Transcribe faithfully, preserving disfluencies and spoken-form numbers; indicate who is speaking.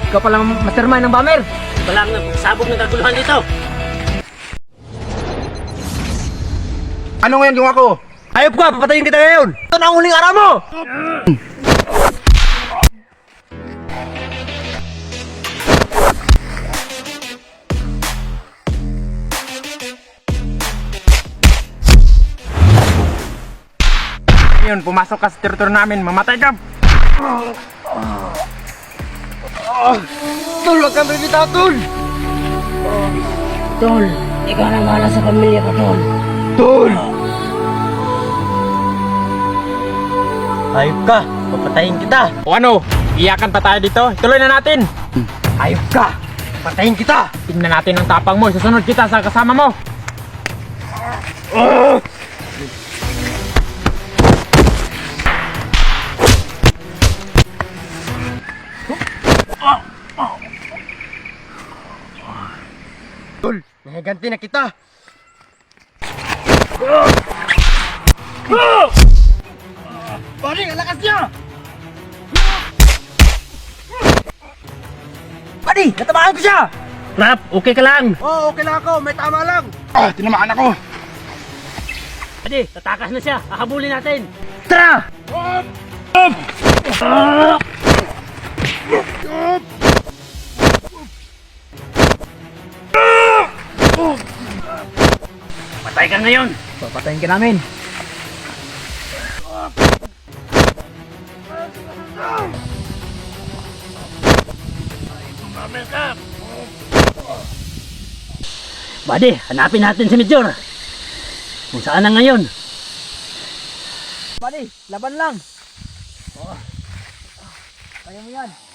Speaker 1: ikaw palang mastermind ng bomber.
Speaker 2: Ito lang ang sabog ng kaguluhan dito.
Speaker 3: Ano ngayon ginawa ko?
Speaker 1: Ayop ka, papatayin kita ngayon. Ito na ang huling araw mo.
Speaker 3: Ngayon, pumasok ka sa teritoryo namin, mamatay ka!
Speaker 1: Tol, wag kang bibitaw, Tol.
Speaker 2: Tol, ikaw na bahala sa pamilya ko, Tol.
Speaker 1: Tol! Ayop ka, papatayin kita.
Speaker 3: O ano, iyakan pa tayo dito? Tuloy na natin!
Speaker 1: Ayop ka, patayin kita.
Speaker 3: Tingnan natin ang tapang mo, susunod kita sa kasama mo!
Speaker 1: Tol, nahiganti na kita. Pare, ang lakas niya! Pare, natamaan ko siya!
Speaker 2: Rap, okay ka lang.
Speaker 1: Oo, oh, okay lang ako. May tama lang.
Speaker 3: Ah, tinamaan ako!
Speaker 2: Adi, tatakas na siya. Hahabulin natin.
Speaker 1: Tara!
Speaker 2: Patay ka ngayon.
Speaker 1: Papatayin ka namin.
Speaker 2: Buddy, hanapin natin si Major. Kung saan na ngayon.
Speaker 1: Pare, laban lang. Oh. Kaya mo yan.